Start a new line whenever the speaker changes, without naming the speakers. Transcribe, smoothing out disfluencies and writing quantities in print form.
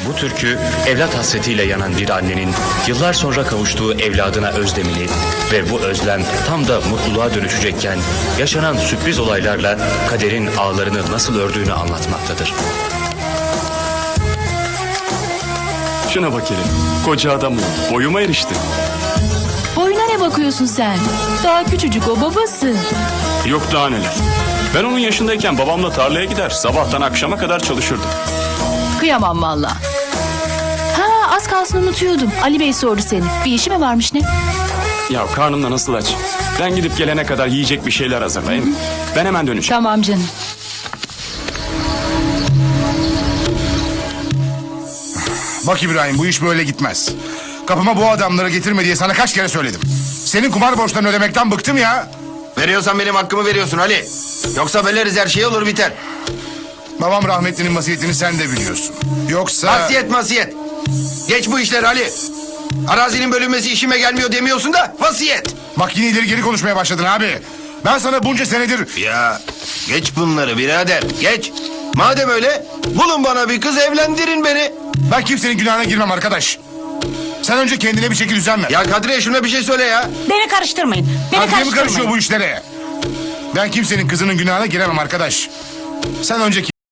Bu türkü evlat hasretiyle yanan bir annenin yıllar sonra kavuştuğu evladına özlemini ve bu özlem tam da mutluluğa dönüşecekken yaşanan sürpriz olaylarla kaderin ağlarını nasıl ördüğünü anlatmaktadır.
Şuna bak hele. Koca adam oldu. Boyuma erişti.
Boyuna ne bakıyorsun sen? Daha küçücük o, babası.
Yok daha neler. Ben onun yaşındayken babamla tarlaya gider. Sabahtan akşama kadar çalışırdım.
Kıyamam valla. Ha, az kalsın unutuyordum. Ali Bey sordu seni. Bir işi mi varmış ne?
Ya karnım da nasıl aç. Ben gidip gelene kadar yiyecek bir şeyler hazırlayayım. Ben hemen döneceğim.
Tamam canım.
Bak İbrahim, bu iş böyle gitmez. Kapıma bu adamları getirme diye sana kaç kere söyledim. Senin kumar borçlarını ödemekten bıktım ya.
Veriyorsan benim hakkımı veriyorsun Ali. Yoksa böleriz, her şey olur biter.
Babam rahmetlinin vasiyetini sen de biliyorsun. Yoksa...
Vasiyet. Geç bu işler Ali. Arazinin bölünmesi işime gelmiyor demiyorsun da vasiyet.
Bak yine ileri geri konuşmaya başladın abi. Ben sana bunca senedir...
Ya geç bunları birader, geç. Madem öyle bulun bana bir kız, evlendirin beni.
Ben kimsenin günahına girmem arkadaş. Sen önce kendine bir şekil düzen ver.
Ya Kadriye şuna bir şey söyle ya.
Beni karıştırmayın.
Kadriye mi karışıyor bu işlere? Ben kimsenin kızının günahına giremem arkadaş. Sen önce